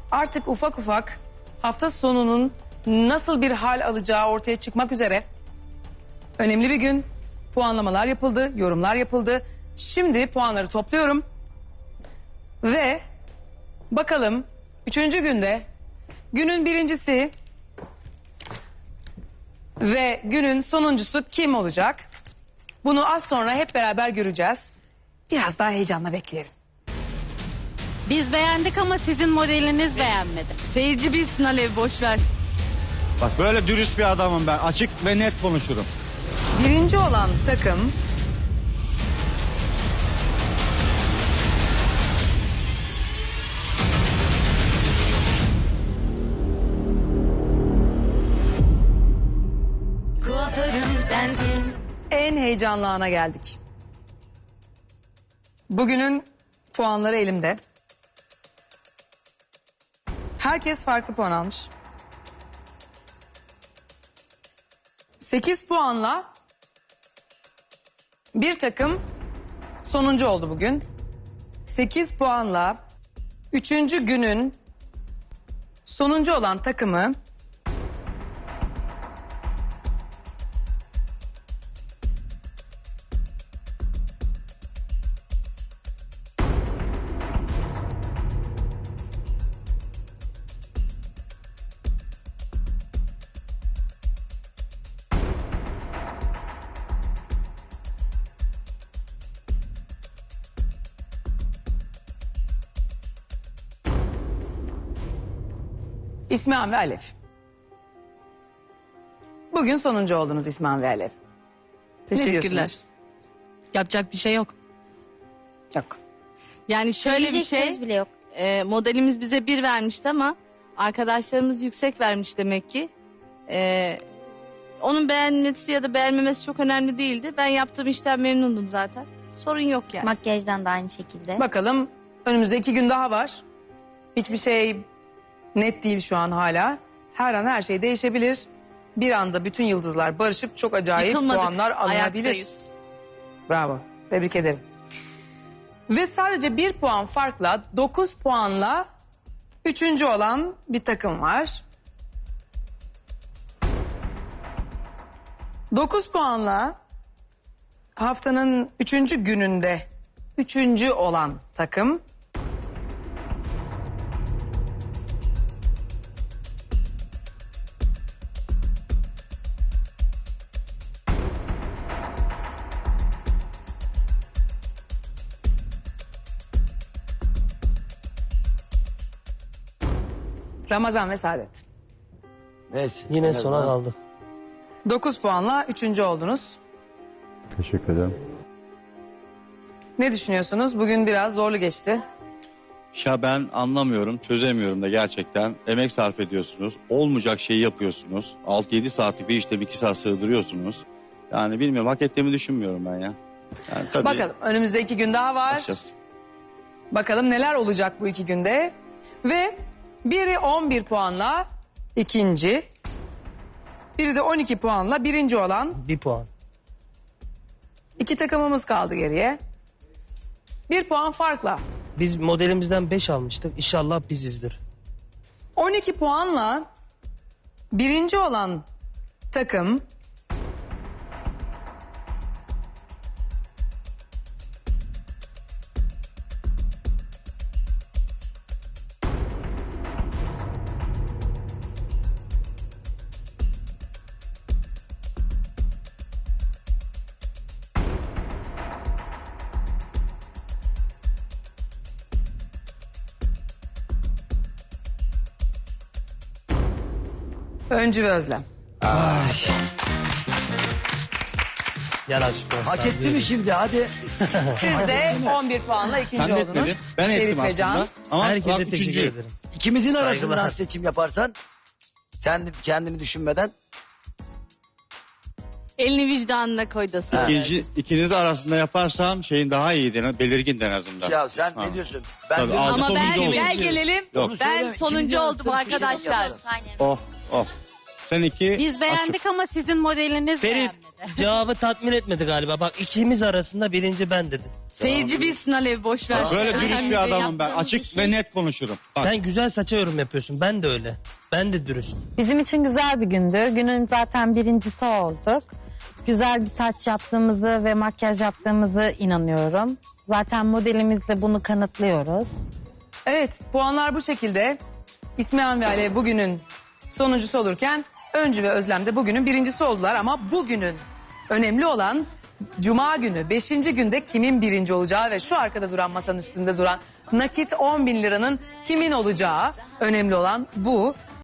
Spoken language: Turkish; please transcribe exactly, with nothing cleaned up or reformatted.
artık ufak ufak hafta sonunun nasıl bir hal alacağı ortaya çıkmak üzere. Önemli bir gün. Puanlamalar yapıldı, yorumlar yapıldı. Şimdi puanları topluyorum. Ve bakalım üçüncü günde günün birincisi ve günün sonuncusu kim olacak? Bunu az sonra hep beraber göreceğiz. Biraz daha heyecanla bekleyelim. Biz beğendik ama sizin modeliniz beğenmedi. Seyirci bilsin Alev, boş ver. Bak böyle dürüst bir adamım ben. Açık ve net konuşurum. Birinci olan takım kuaförüm sensin. en heyecanlı ana geldik. Bugünün puanları elimde. Herkes farklı puan almış. sekiz puanla bir takım sonuncu oldu bugün. sekiz puanla üçüncü günün sonuncu olan takımı İsmihan ve Alev. Bugün sonuncu oldunuz İsmihan ve Alev. Ne Teşekkürler. diyorsunuz? Yapacak bir şey yok. Yok. Yani şöyle bir şey, Söyleyeceksiniz bile yok. e, modelimiz bize bir vermişti ama arkadaşlarımız yüksek vermiş demek ki. E, onun beğenmesi ya da beğenmemesi çok önemli değildi. Ben yaptığım işten memnundum zaten. Sorun yok yani. Makyajdan da aynı şekilde. Bakalım önümüzde iki gün daha var. Hiçbir şey net değil şu an hala. Her an her şey değişebilir. Bir anda bütün yıldızlar barışıp çok acayip Yıkılmadık, puanlar alınabilir. ayaktayız. Bravo. Tebrik ederim. Ve sadece bir puan farkla dokuz puanla üçüncü olan bir takım var. Dokuz puanla haftanın üçüncü gününde üçüncü olan takım. Ramazan ve Saadet. Neyse. Yine en sona azından kaldık. dokuz puanla üçüncü oldunuz. Teşekkür ederim. Ne düşünüyorsunuz? Bugün biraz zorlu geçti. Ya ben anlamıyorum, çözemiyorum da gerçekten. Emek sarf ediyorsunuz. Olmayacak şeyi yapıyorsunuz. altı yedi saatlik bir işte bir iki saat sığdırıyorsunuz. Yani bilmiyorum, hak ettiğimi düşünmüyorum ben ya. Yani tabii Bakalım önümüzde iki gün daha var. bakacağız. Bakalım neler olacak bu iki günde. Ve biri on bir puanla ikinci. Biri de on iki puanla birinci olan Bir puan. iki takımımız kaldı geriye. Bir puan farkla. Biz modelimizden beş almıştık. İnşallah bizizdir. on iki puanla birinci olan takım Öncü ve Özlem. Gel aşkım. Hak etti mi şimdi, hadi. Siz de on bir puanla ikinci Sen de etmedin. oldunuz. Ben ettim Ferit ve Can. aslında. Ama Herkese bak, teşekkür üçüncüyüm. ederim. İkimizin Saygılar. arasından seçim yaparsan, sen de kendini düşünmeden. Elini vicdanına koy da söyle. İkinci, ikiniz arasında yaparsam şeyin daha iyiydi, belirgin en azından. Ya sen Ha. ne diyorsun? Ben Tabii, diyorum- aldı Ama ben sonuncu oldu. gel gelelim. Yok. Onu Ben söyleme, sonuncu ikimizin oldum arasında seçim arkadaşlar. yapalım. Aynen. Oh, oh. Sen iki. Biz beğendik açık. ama sizin modeliniz Ferit beğenmedi. cevabı tatmin etmedi galiba. Bak ikimiz arasında birinci ben dedi. Seyirci bilsin Alev boş ver. Böyle dürüst Önemli bir değil. adamım ben. Yaptığımız Açık bir şey. ve net konuşurum. Bak. Sen güzel saça yorum yapıyorsun. Ben de öyle. Ben de dürüst. Bizim için güzel bir gündü. Günün zaten birincisi olduk. Güzel bir saç yaptığımızı ve makyaj yaptığımızı inanıyorum. Zaten modelimizle bunu kanıtlıyoruz. Evet, puanlar bu şekilde. İsmihan ve Alev bugünün sonuncusu olurken Öncü ve Özlem de bugünün birincisi oldular. Ama bugünün önemli olan Cuma günü, beşinci günde kimin birinci olacağı ve şu arkada duran masanın üstünde duran nakit on bin liranın kimin olacağı önemli olan bu.